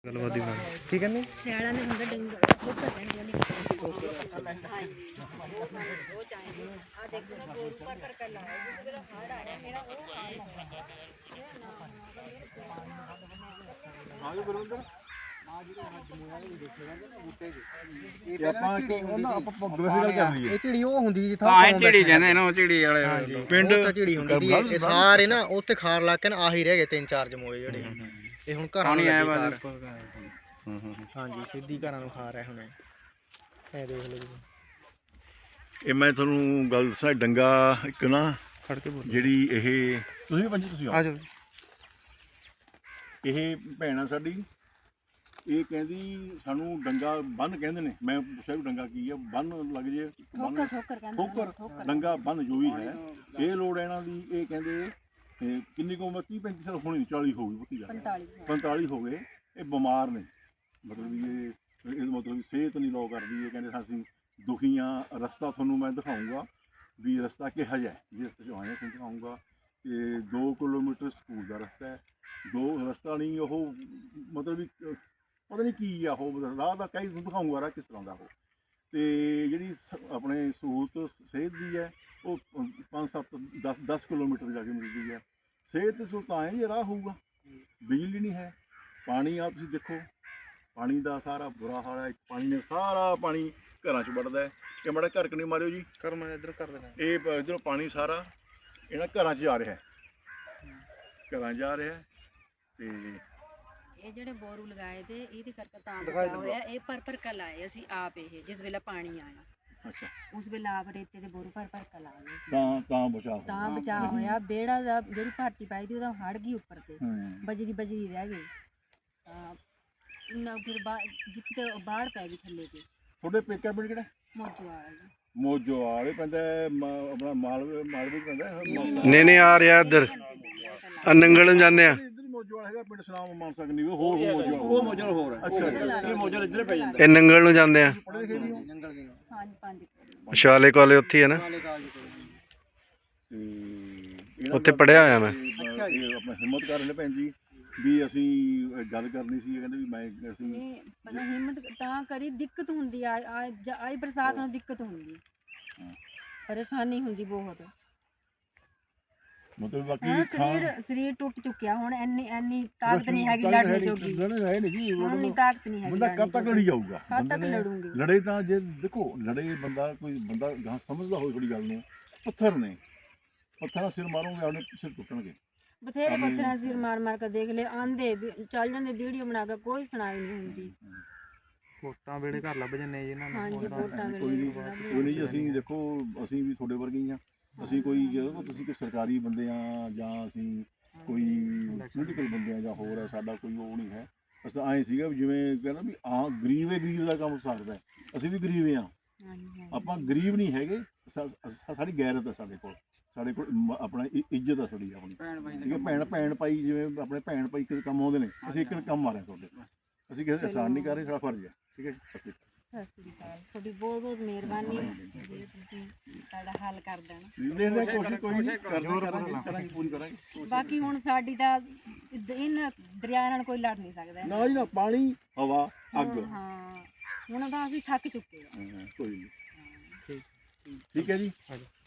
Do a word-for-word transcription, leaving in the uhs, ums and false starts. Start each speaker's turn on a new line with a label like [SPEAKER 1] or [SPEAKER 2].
[SPEAKER 1] ਗੱਲਬਾਤ ਦੀ ਬਣਾ ਕੀ ਕਹਿੰਦੇ
[SPEAKER 2] ਸਿਆਲਾਂ ਦੇ ਹੁੰਦਾ ਡੰਗ ਠੋਕਰ ਪੈਂਦੀ ਨਹੀਂ ਹਾਂਜੀ ਉਹ ਚਾਹੀਦੀ ਆ ਦੇਖੋ ਨਾ ਗੋਲ ਉੱਪਰ ਪਰ ਕਰ ਲਾਇਆ ਜਿਹਦੇ ਦਾ ਹਾੜ ਆ ਰਿਹਾ ਮੇਰਾ ਉਹ ਹਾੜ
[SPEAKER 3] ਆਜੋ ਗੁਰਵਿੰਦਰ ਆ ਜਿਹੜੇ ਹੱਥ ਮੂਆਂ ਦੇ ਦੇਖੇਗਾ ਨਾ ਬੂਟੇ ਦੇ ਇਹ ਆਪਾਂ ਉਹਨਾਂ ਆਪਾਂ ਵੈਸੇ ਗੱਲ ਕਰ ਲਈਏ ਇਹ ਝਿੜੀ ਉਹ ਹੁੰਦੀ ਜਿੱਥਾ
[SPEAKER 4] ਹਾਂ ਝਿੜੀ ਕਹਿੰਦੇ ਇਹਨੂੰ ਝਿੜੀ ਵਾਲੇ
[SPEAKER 3] ਪਿੰਡ
[SPEAKER 1] ਝਿੜੀ ਹੁੰਦੀ ਇਹ ਸਾਰੇ ਨਾ ਉੱਥੇ ਖਾਰ ਲਾ ਕੇ ਨਾ ਆਹੀ ਰਹਿ ਗਏ ਤਿੰਨ ਚਾਰ ਜਮੋਏ ਜਿਹੜੇ ਇਹ ਹੁਣ ਘਰਾਂ ਨੂੰ ਆਇਆ ਬਾਅਦ ਹਾਂਜੀ ਸਿੱਧੀ ਘਰਾਂ ਨੂੰ ਖਾ ਰਿਹਾ ਹੁਣ ਇਹ ਦੇਖ ਲਓ ਜੀ
[SPEAKER 5] ਇਹ ਮੈਂ ਤੁਹਾਨੂੰ ਗੱਲ ਦੱਸਾਂ ਡੰਗਾ ਇੱਕ ਨਾ
[SPEAKER 1] ਖੜ ਕੇ ਬੋਲ
[SPEAKER 5] ਜਿਹੜੀ ਇਹ ਤੁਸੀਂ ਵੀ ਪੰਜੀ ਤੁਸੀਂ
[SPEAKER 1] ਆ ਜਾਓ
[SPEAKER 5] ਇਹ ਭੈਣ ਆ ਸਾਡੀ ਇਹ ਕਹਿੰਦੀ ਸਾਨੂੰ ਡੰਗਾ ਬੰਨ ਕਹਿੰਦੇ ਨੇ ਮੈਂ ਪੁੱਛਿਆ ਵੀ ਡੰਗਾ ਕੀ ਆ ਬੰਨ ਲੱਗ ਜੇ
[SPEAKER 2] ਠੋਕਰ ਠੋਕਰ ਕਹਿੰਦੇ
[SPEAKER 5] ਠੋਕਰ ਡੰਗਾ ਬੰਨ ਜੋ ਵੀ ਹੈ ਇਹ ਲੋੜ ਇਹਨਾਂ ਦੀ ਇਹ ਕਹਿੰਦੇ ਤੇ ਕਿੰਨੀ ਕੁ ਉਮਰ ਤੀਹ ਪੈਂਤੀ ਸਾਲ ਹੋਣੀ ਚਾਲੀ ਹੋ ਗਈ ਪੁੱਤੀ ਜਾ
[SPEAKER 2] ਪੰਤਾਲੀ
[SPEAKER 5] ਪੰਤਾਲੀ ਹੋ ਗਏ ਇਹ ਬਿਮਾਰ ਨੇ ਮਤਲਬ ਵੀ ਇਹ ਇਹ ਮਤਲਬ ਸਿਹਤ ਨਹੀਂ ਲੋ ਕਰਦੀ ਇਹ ਕਹਿੰਦੇ ਅਸੀਂ ਦੁਖੀ ਹਾਂ ਰਸਤਾ ਤੁਹਾਨੂੰ ਮੈਂ ਦਿਖਾਊਂਗਾ ਵੀ ਰਸਤਾ ਕਿਹੋ ਜਿਹਾ ਹੈ ਜਿਸ ਰਸਤੇ 'ਚ ਆਏ ਤੁਹਾਨੂੰ ਦਿਖਾਊਂਗਾ ਤੇ ਦੋ ਕਿਲੋਮੀਟਰ ਸਕੂਲ ਦਾ ਰਸਤਾ ਹੈ ਦੋ ਰਸਤਾ ਨਹੀਂ ਉਹ ਮਤਲਬ ਵੀ ਪਤਾ ਨਹੀਂ ਕੀ ਆ ਉਹ ਰਾਹ ਦਾ ਕਈ ਤੁਹਾਨੂੰ ਦਿਖਾਊਂਗਾ ਰਾਹ ਕਿਸ ਤਰ੍ਹਾਂ ਦਾ ਉਹ ਤੇ ਜਿਹੜੀ ਆਪਣੇ ਸਹੂਲਤ ਸਿਹਤ ਦੀ ਹੈ ਉਹ ਪੰਜ ਸੱਤ ਦਸ ਦਸ ਕਿਲੋਮੀਟਰ ਜਾ ਕੇ ਮਿਲਦੀ ਹੈ ਸਿਹਤ ਦੀ ਸਹੂਲਤ ਆਏ ਜੇ ਰਾਹ ਹੋਊਗਾ ਬਿਜਲੀ ਨਹੀਂ ਹੈ ਪਾਣੀ ਆ ਤੁਸੀਂ ਦੇਖੋ ਪਾਣੀ ਦਾ ਸਾਰਾ ਬੁਰਾ ਹਾਲ ਹੈ ਪਾਣੀ ਨੇ ਸਾਰਾ ਪਾਣੀ ਘਰਾਂ 'ਚ ਵੜਦਾ ਹੈ ਇਹ ਮਾੜਾ ਘਰ ਕਨੇ ਮਾਰਿਓ ਜੀ
[SPEAKER 1] ਕਰ ਮੈਂ ਇੱਧਰ ਕਰ ਦੇਣਾ
[SPEAKER 5] ਇਹ ਇੱਧਰੋਂ ਪਾਣੀ ਸਾਰਾ ਇਹਨਾਂ ਘਰਾਂ 'ਚ ਜਾ ਰਿਹਾ ਹੈ ਘਰਾਂ ਜਾ ਰਿਹਾ ਤੇ
[SPEAKER 2] ਇਹ ਜਿਹੜੇ ਬੋਰੂ ਲਗਾਏ ਤੇ ਇਹਦੇ ਕਰਕੇ ਤਾਂ ਬਚਾਅ ਹੋਇਆ ਇਹ ਪਰ ਪਰ ਕਾ ਲਾਏ ਅਸੀਂ ਆਪ ਇਹ ਜਿਸ ਵੇਲੇ ਪਾਣੀ ਆਇਆ
[SPEAKER 5] ਅੱਛਾ
[SPEAKER 2] ਉਸ ਵੇਲੇ ਆਪ ਰੇਤੇ ਦੇ ਬੋਰੂ ਪਰ ਪਰ ਕਾ ਲਾਏ
[SPEAKER 5] ਤਾਂ ਤਾਂ ਬਚਾਅ ਹੋਇਆ।
[SPEAKER 2] ਤਾਂ ਬਚਾਅ ਹੋਇਆ ਬੇੜਾ ਦਾ ਜਿਹੜੀ ਭਰਤੀ ਪਾਈ ਦੀ ਉਹਦਾ ਹੜ ਗਈ ਉੱਪਰ ਤੇ
[SPEAKER 5] ਹੂੰ
[SPEAKER 2] ਬਜਰੀ ਬਜਰੀ ਰਹਿ ਗਈ ਤਾਂ ਨਾ ਫਿਰ ਬਾ ਜਿੱਥੇ ਬਾੜ ਪੈ ਗਈ ਥੱਲੇ ਤੇ
[SPEAKER 5] ਤੁਹਾਡੇ ਪੇਕਾ ਪਿੰਡ ਕਿਹੜਾ
[SPEAKER 2] ਮੋਜੋ ਵਾਲਾ ਜੀ
[SPEAKER 5] ਮੋਜੋ ਵਾਲੇ ਪੈਂਦਾ ਆਪਣਾ ਮਾਲਵੇ ਮਾਲਵੇ ਪੈਂਦਾ
[SPEAKER 1] ਨਹੀਂ ਨਹੀਂ ਆ ਰਿਹਾ ਇੱਧਰ ਆ ਨੰਗਲ ਜਾਂਦੇ ਆ
[SPEAKER 5] ਇੱਧਰ ਮੋਜੋ ਵਾਲਾ ਹੈਗਾ ਪਿੰਡ ਸਲਾਮ ਮਾਨ ਸਕਦੀ ਹੋਰ ਮੋਜੋ
[SPEAKER 3] ਉਹ ਮੋਜਲ ਹੋਰ ਹੈ
[SPEAKER 5] ਅੱਛਾ ਅੱਛਾ
[SPEAKER 3] ਇਹ ਮੋਜਲ ਇੱਧਰ ਪੈ ਜਾਂਦਾ
[SPEAKER 1] ਇਹ ਨੰਗਲ ਨੂੰ ਜਾਂਦੇ ਆ
[SPEAKER 5] ਪੜ੍ਹੇ ਲਿਖੇ ਵੀ ਹੋ
[SPEAKER 3] ਜੰਗਲ ਦੇ
[SPEAKER 2] ਪੰਜ ਪੰਜ
[SPEAKER 1] ਸ਼ਾਲੇ ਕਾਲੇ ਉੱਥੇ ਹੀ ਹੈ ਨਾ
[SPEAKER 5] ਤੇ
[SPEAKER 1] ਉੱਥੇ ਪੜ੍ਹਿਆ ਹੋਇਆ ਮੈਂ
[SPEAKER 5] ਇਹ ਆਪਣਾ ਹਿੰਮਤ ਕਰ ਲੈ ਭੈਣ ਜੀ ਵੀ ਅਸੀਂ ਗੱਲ ਕਰਨੀ ਸੀ ਕਹਿੰਦੇ ਵੀ ਮੈਂ ਅਸੀਂ
[SPEAKER 2] ਨਹੀਂ ਪਤਾ ਹਿੰਮਤ ਤਾਂ ਕਰੀ ਦਿੱਕਤ ਹੁੰਦੀ ਆ ਆਈ ਬਰਸਾਤ ਨੂੰ ਦਿੱਕਤ ਹੁੰਦੀ ਪਰੇਸ਼ਾਨੀ ਹੁੰਦੀ ਬਹੁਤ
[SPEAKER 5] ਮਤਲਬ
[SPEAKER 2] ਹੁਣ
[SPEAKER 5] ਬਾਕੀ
[SPEAKER 2] ਸਰੀਰ ਸਰੀਰ ਟੁੱਟ ਚੁੱਕਿਆ ਹੁਣ ਇੰਨੀ ਇੰਨੀ ਤਾਕਤ ਨਹੀਂ ਹੈਗੀ ਲੜਨ ਜੋਗੀ
[SPEAKER 5] ਲੜਨੇ ਨਹੀਂ ਜੀ
[SPEAKER 2] ਹੁਣ ਨਹੀਂ ਤਾਕਤ ਨਹੀਂ ਹੈਗੀ
[SPEAKER 5] ਬੰਦਾ ਕਦ ਤੱਕ ਲੜੀ ਜਾਊਗਾ
[SPEAKER 2] ਕਦ ਤੱਕ ਲੜੂੰਗੀ
[SPEAKER 5] ਲੜੇ ਤਾਂ ਜੇ ਦੇਖੋ ਲੜੇ ਬੰਦਾ ਕੋਈ ਬੰਦਾ ਗਾਂ ਸਮਝਦਾ ਹੋਵੇ ਥੋੜੀ ਗੱਲ ਨੂੰ ਪੱਥਰ ਨੇ ਪੱਥਰਾਂ ਸਿਰ ਮਾਰੋਗੇ ਉਹਨੇ ਸਿਰ ਟੁੱਟਣਗੇ
[SPEAKER 2] ਬਥੇਰੇ ਪੱਥਰਾਂ ਸਿਰ ਮਾਰ ਮਾਰ ਕੇ ਦੇਖ ਲੈ ਆਂਦੇ ਚੱਲ ਜਾਂਦੇ ਵੀਡੀਓ ਬਣਾ ਕੇ ਕੋਈ ਸੁਣਾਈ ਨਹੀਂ ਹੁੰਦੀ
[SPEAKER 1] ਵੋਟਾਂ ਵੇਲੇ ਘਰ ਲੱਭ ਜੰਨੇ ਜੀ ਇਹਨਾਂ ਨੂੰ
[SPEAKER 2] ਹਾਂਜੀ ਵੋਟਾਂ
[SPEAKER 5] ਕੋਈ
[SPEAKER 2] ਵੇਲੇ
[SPEAKER 5] ਨਹੀਂ ਕੋਈ ਨਹੀਂ ਜੀ ਅਸੀਂ ਦੇਖੋ ਅਸੀਂ ਵੀ ਤੁਹਾਡੇ ਵਰਗੇ ਹੀ ਆ ਅਸੀਂ ਕੋਈ ਜਦੋਂ ਤੁਸੀਂ ਕੋਈ ਸਰਕਾਰੀ ਬੰਦੇ ਆ ਜਾਂ ਅਸੀਂ ਕੋਈ ਪੋਲੀਟੀਕਲ ਬੰਦੇ ਆ ਜਾਂ ਹੋਰ ਆ ਸਾਡਾ ਕੋਈ ਉਹ ਨਹੀਂ ਹੈ ਅਸੀਂ ਤਾਂ ਐਂ ਸੀਗਾ ਵੀ ਜਿਵੇਂ ਕਹਿੰਦਾ ਵੀ ਆ ਗਰੀਬ ਹੈ ਗਰੀਬ ਦਾ ਕੰਮ ਸਕਦਾ ਅਸੀਂ ਵੀ ਗਰੀਬ ਆ ਆਪਾਂ ਗਰੀਬ ਨਹੀਂ ਹੈਗੇ ਸਾਡੀ ਗੈਰਤ ਹੈ ਸਾਡੇ ਕੋਲ ਸਾਡੇ ਕੋਲ ਆਪਣਾ ਇੱਜ਼ਤ ਆ ਸਾਡੀ ਆਪਣੀ ਠੀਕ ਹੈ ਭੈਣ ਭੈਣ ਭਾਈ ਜਿਵੇਂ ਆਪਣੇ ਭੈਣ ਭਾਈ ਕਿਸੇ ਕੰਮ ਆਉਂਦੇ ਨੇ ਅਸੀਂ ਇੱਕ ਕੰਮ ਮਾਰਿਆ ਤੁਹਾਡੇ ਅਸੀਂ ਕਿਸੇ ਅਹਿਸਾਨ ਨਹੀਂ ਕਰ ਰਹੇ ਸਾਡਾ ਫਰਜ਼ ਹੈ ਠੀਕ ਹੈ ਜੀ
[SPEAKER 2] ਸਤਿ ਸ੍ਰੀ ਅਕਾਲ ਤੁਹਾਡੀ ਬਹੁਤ ਬਹੁਤ ਮਿਹਰਬਾਨੀ ਜੇ ਤੁਸੀਂ ਸਾਡਾ ਹੱਲ ਕਰ ਦੇਣਾ
[SPEAKER 5] ਦੇਖਦੇ ਕੋਸ਼ਿਸ਼ ਕੋਈ ਨਹੀਂ ਕਰਦੇ ਕਰਾਂਗੇ ਕਰਾਂਗੇ ਪੂਰੀ ਕਰਾਂਗੇ
[SPEAKER 2] ਬਾਕੀ ਹੁਣ ਸਾਡੀ ਤਾਂ ਇਹਨਾਂ ਦਰਿਆ ਨਾਲ ਕੋਈ ਲੜ ਨਹੀਂ ਸਕਦਾ
[SPEAKER 5] ਨਾ ਜੀ ਨਾ ਪਾਣੀ ਹਵਾ ਅੱਗ
[SPEAKER 2] ਹਾਂ ਹੁਣ ਤਾਂ ਅਸੀਂ ਥੱਕ ਚੁੱਕੇ ਹਾਂ
[SPEAKER 5] ਕੋਈ ਨਹੀਂ ਠੀਕ ਹੈ ਜੀ